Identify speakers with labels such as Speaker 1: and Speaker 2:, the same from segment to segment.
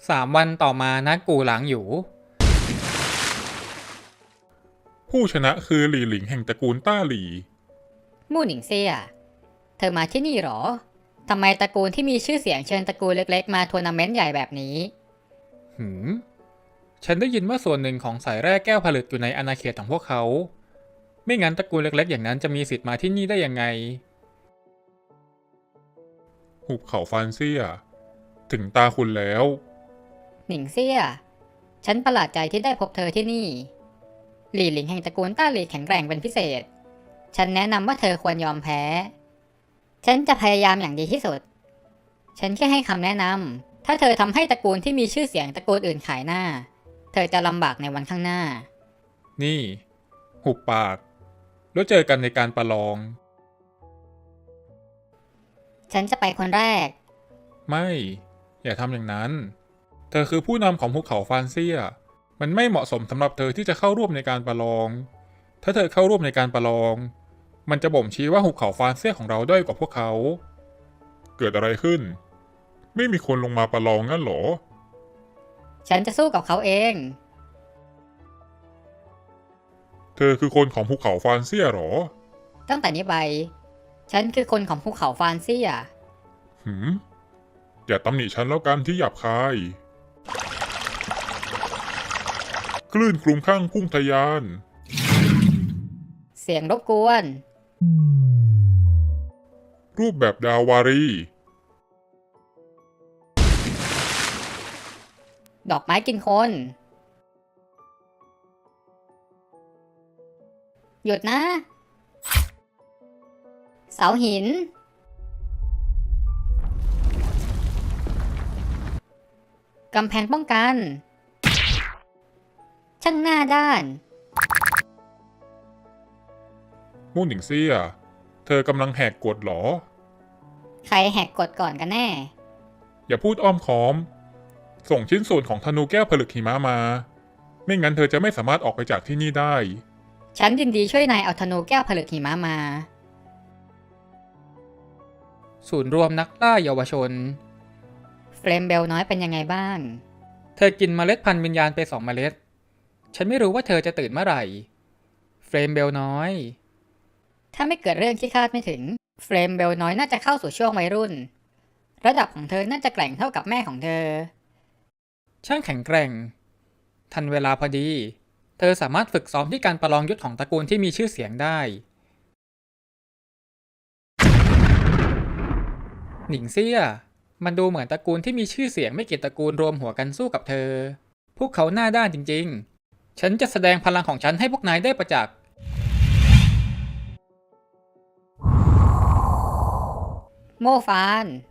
Speaker 1: 3 วันต่อมาณกูหลางอยู่
Speaker 2: ผู้ชนะคือหลี่หลิงแห่งตระกูลต้าหลี่
Speaker 3: มู่หนิงเซี่ยเธอมาที่นี่หรอทำไมตระกูลที่มีชื่อเสียงเชิญตระกูลเล็กๆมาทัวร์นาเมนต์ใหญ่แบบนี้
Speaker 1: ฉันได้ยินว่าส่วนหนึ่งของสายแร่แก้วผลึกอยู่ในอาณาเขตของพวกเขา ไม่งั้นตระกูลเล็กๆอย่างนั้นจะมีสิทธิ์มาที่นี่ได้ยังไง
Speaker 2: หุบเขาฟานเซียถึงตาคุณแล้ว
Speaker 3: หนิงเซี่ยฉันประหลาดใจที่ได้พบเธอที่นี่หลี่หลิงแห่งตระกูลต้าหลี่แข็งแกร่งเป็นพิเศษฉันแนะนำว่าเธอควรยอมแพ้ฉันจะพยายามอย่างดีที่สุดฉันแค่ให้คำแนะนำถ้าเธอทำให้ตระกูลที่มีชื่อเสียงตระกูลอื่นขายหน้าเธอจะลำบากในวันข้างหน้า
Speaker 2: นี่หุบปากแล้วเจอกันในการประลอง
Speaker 3: ฉันจะไปคนแรก
Speaker 2: ไม่ อย่าทำอย่างนั้น เธอคือผู้นำของภูเขาฟานเซียมันไม่เหมาะสมสำหรับเธอที่จะเข้าร่วมในการประลอง ถ้าเธอเข้าร่วมในการประลอง มันจะบ่งชี้ว่าหุบเขาฟานเซียของเราด้อยกว่าพวกเขา เกิดอะไรขึ้น ไม่มีคนลงมาประลองงั้นหรอ
Speaker 3: ฉันจะสู้กับเขาเอง
Speaker 2: เธอคือคนของภูเขาฟานเซียหรอ
Speaker 3: ตั้งแต่นี้ไปฉันคือคนของภูเขาฟานเซีย
Speaker 2: อย่าตำหนิฉันแล้วกันที่หยาบคาย คลื่นคลุมข้างพุ่งทะยาน
Speaker 3: เสียงรบกวน
Speaker 2: รูปแบบดาวารี
Speaker 3: ดอกไม้กินคน หยุดนะ เสาหิน กำแพงป้องกัน ช่างหน้าด้าน
Speaker 2: มู่หนิงเซีย เธอกำลังแหกกฎหรอ
Speaker 3: ใครแหกกฎก่อนกันแน่
Speaker 2: อย่าพูดอ้อมค้อม ส่งชิ้นส่วนของธนูแก้วผลึกหิมะมา ไม่งั้นเธอจะไม่สามารถออกไปจากที่นี่ได้
Speaker 3: ฉันยินดีช่วยนายเอาธนูแก้วผลึกหิมะมา
Speaker 1: ศูนย์รวมนักล่าเยาวชน
Speaker 3: เฟรมเบลน้อยเป็นยังไงบ้าง
Speaker 1: เธอกินเมล็ดพันธุ์วิญญาณไป2 เมล็ด ฉันไม่รู้ว่าเธอจะตื่นเมื่อไหร่ เฟรมเบลน้อย
Speaker 3: ถ้าไม่เกิดเรื่องที่คาดไม่ถึง เฟรมเบลน้อยน่าจะเข้าสู่ช่วงวัยรุ่น ระดับของเธอน่าจะแกร่งเท่ากับแม่ของเธอ
Speaker 1: ช่างแข็งแกร่ง ทันเวลาพอดี เธอสามารถฝึกซ้อมที่การประลองยุทธของตระกูลที่มีชื่อเสียงได้ หนิงเซี่ย มันดูเหมือนตระกูลที่มีชื่อเสียงไม่กี่ตระกูลรวมหัวกันสู้กับเธอ พวกเขาหน้าด้านจริงๆ ฉันจะแสดงพลังของฉันให้พวกนายได้ประจักษ์
Speaker 3: โม่ฟาน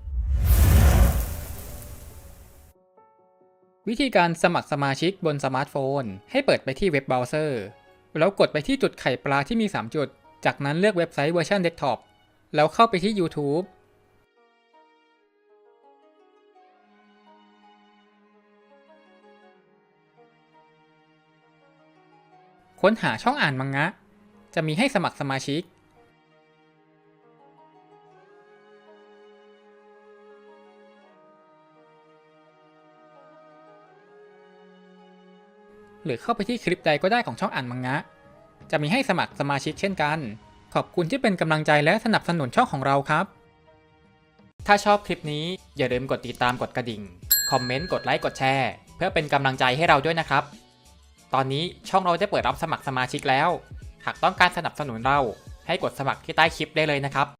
Speaker 1: วิธีการสมัครสมาชิกบนสมาร์ทโฟนให้เปิดไปที่เว็บเบราว์เซอร์แล้วกดไปที่จุดไข่ปลาที่มี3 จุดจากนั้นเลือกเว็บไซต์เวอร์ชันเดสก์ท็อปแล้วเข้าไปที่ YouTube ค้นหาช่องอ่านมังงะจะมีให้สมัครสมาชิกหรือเข้าไปที่คลิปใดก็ได้ของช่องอ่านมังงะจะมีให้สมัครสมาชิกเช่นกันขอบคุณที่เป็นกำลังใจและสนับสนุนช่องของเราครับถ้าชอบคลิปนี้อย่าลืมกดติดตามกดกระดิ่งคอมเมนต์กดไลค์กดแชร์เพื่อเป็นกำลังใจให้เราด้วยนะครับตอนนี้ช่องเราได้เปิดรับสมัครสมาชิกแล้วหากต้องการสนับสนุนเราให้กดสมัครที่ใต้คลิปได้เลยนะครับ